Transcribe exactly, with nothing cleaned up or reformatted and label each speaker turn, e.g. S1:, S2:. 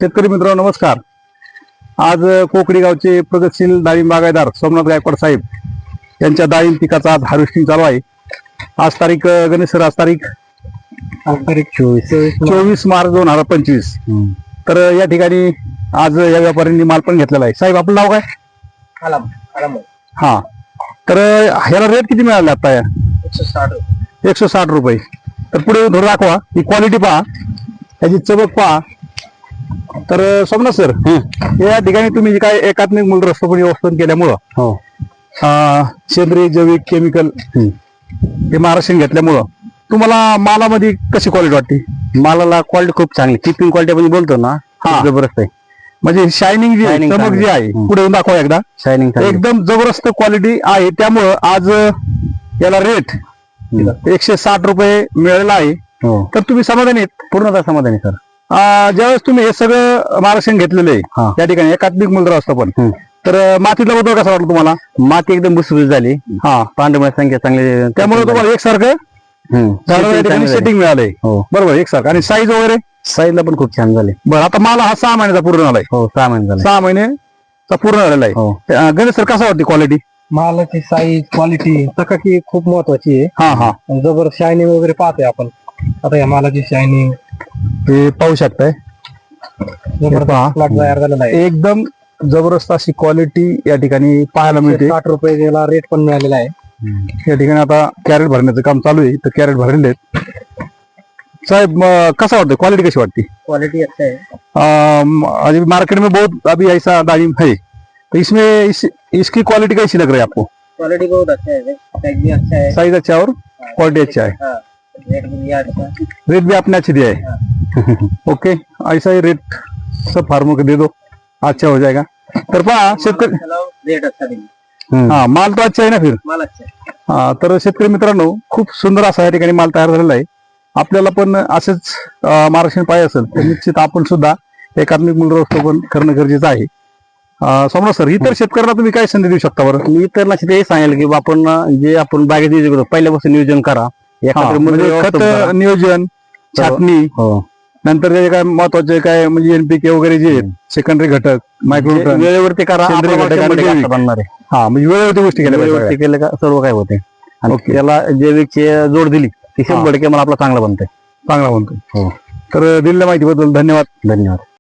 S1: शेतकरी मित्रांनो नमस्कार. आज कोकडी गावचे प्रगतशील डाळिंब बागायतदार सोमनाथ गायकवाड साहेब यांच्या डाळिंब पिकाचा आज हार्वेस्टिंग चालू आहे. आज तारीख गणेश सर आज तारीख
S2: तारीख चोवीस
S1: चोवीस मार्च दोन हजार पंचवीस. तर या ठिकाणी आज या व्यापाऱ्यांनी माल पण घेतलेला आहे. साहेब आपलं नाव काय?
S2: आलाम आलाम
S1: हा, तर ह्याला रेट किती मिळाला आता? या
S2: एकशे साठ
S1: एकशे साठ रुपये. तर पुढे थोडं दाखवा, ही क्वालिटी पहा, त्याची चमक पहा. तर सोमनाथ सर, या ठिकाणी तुम्ही जे काय एकात्मिक मूलद्रव्य व्यवस्थापन केल्यामुळं
S2: हो
S1: अं, सेंद्रिय जैविक केमिकल हे महाराष्ट्रीयन घेतल्यामुळं तुम्हाला मालामध्ये कशी क्वालिटी वाटते?
S2: मालाला क्वालिटी खूप चांगली, किपिंग क्वालिटी आपण बोलतो ना,
S1: हा.
S2: जबरदस्त आहे.
S1: म्हणजे शायनिंग जी आहे,
S2: Shining
S1: चमक जी आहे,
S2: हम्म.
S1: पुढे येऊन दाखवा एकदा.
S2: शायनिंग
S1: एकदम जबरदस्त क्वालिटी आहे. त्यामुळं आज याला रेट एकशे साठ रुपये मिळालेला आहे.
S2: हो
S1: तर तुम्ही समाधानी आहेत?
S2: पूर्णतः समाधानी सर.
S1: अं, ज्यावेळेस तुम्ही हे सगळं महाराष्ट्रीयन घेतलेलं
S2: हा.
S1: आहे त्या ठिकाणी एकात्मिक मूलद्रव्य असतं पण,
S2: हम्म.
S1: तर मातीतला बदल कसा वाटला तुम्हाला?
S2: माती एकदम भुसभुशीत झाली,
S1: हा,
S2: पांढऱ्या संख्या चांगली,
S1: त्यामुळे तुम्हाला एकसारखं
S2: हम्म.
S1: झाडाला या
S2: Setting
S1: ठिकाणी
S2: चांगली झाली.
S1: सेटिंग मिळालंय.
S2: हो
S1: बरोबर, एकसारखं. आणि साईज वगैरे
S2: साईजला पण खूप छान झाली.
S1: बरं, आता मला हा सहा महिन्याचा पूर्ण झालाय.
S2: हो सहा महिने झाले.
S1: सहा महिन्याचा पूर्ण झालेला आहे.
S2: हो
S1: अं, गणेश सर कसा वाटते क्वालिटी?
S3: मालाची साईज क्वालिटी चकाकी खूप महत्वाची आहे.
S1: हा हा,
S3: जबर शायनिंग वगैरे पाहतोय आपण आता या मालाची शायनिंग
S1: हे पाहू शकताय. पहा.
S3: प्लॉट तयार झालेला आहे.
S1: एकदम जबरदस्त अशी क्वालिटी या ठिकाणी पाहायला मिळते.
S3: साठ रुपये त्याला रेट पण मिळालेला आहे.
S1: या ठिकाणी आता कॅरेट भरण्याचं काम चालू आहे, तर कॅरेट भरलेले आहेत. साहब म, कसा वाटतं, क्वालिटी कशी वाटते?
S3: क्वालिटी अच्छा है.
S1: अम, अभी मार्केट में बहुत अभी ऐसा दालिम है, तो इसमें इस, इसकी क्वालिटी कैसी लग रही है आपको?
S3: क्वालिटी बहुत अच्छा है, साइज भी अच्छा है,
S1: साइज अच्छा और क्वालिटी अच्छा है,
S3: हाँ, रेट भी अच्छा है.
S1: रेट भी आपने अच्छी दिया है. ओके, ऐसा ही रेट सब फार्मों को दे दो, अच्छा हो जाएगा. तर पहा शेतकरी,
S3: रेट अच्छा देंगे.
S1: हा, माल तो अच्छा आहे ना फिर.
S3: माल अच्छा है.
S1: हा, तर शेतकरी मित्रांनो खूप सुंदर असा या ठिकाणी माल तयार झालेला आहे. आपल्याला पण असेच महाराष्ट्रीयन पाहिजे असेल तर निश्चित आपण सुद्धा एकात्मिक मूलद्रव्य पण करणं गरजेचं आहे. अं, सोमनाथ सर, इतर शेतकऱ्यांना तुम्ही काय संधी देऊ शकता बरं?
S2: मी तर लक्ष ते सांगेल की आपण जे आपण बागेत नियोजन करतो पहिल्यापासून नियोजन करा.
S1: हा,
S2: एखादं
S1: म्हणजे
S2: मूल्य
S1: खत
S2: व्यवस्थापन करा.
S1: नियोजन, छाटणी,
S2: हो
S1: नंतर जे काय महत्वाचे काय म्हणजे एनपीके वगैरे जे आहेत, सेकंडरी घटक, मायक्रोन्यूट्रन,
S2: जे वेळेवरती करा.
S1: सेंद्रिय
S2: आपल्याला
S1: घटक आणि
S2: शंभर टक्के
S1: जैविक.
S2: असं बनणार आहे.
S1: हा, म्हणजे वेळेवरती गोष्टी केल्या पाहिजे
S2: वेळेवरती
S1: सगळ्या.
S2: केलं का सर्व काय होते. आणि
S1: ओके.
S2: त्याला जैविकची जोड दिली की शंभर टक्के मला आपला चांगला बनतंय.
S1: चांगला म्हणतोय.
S2: हो
S1: तर दिलेल्या माहितीबद्दल धन्यवाद.
S2: धन्यवाद.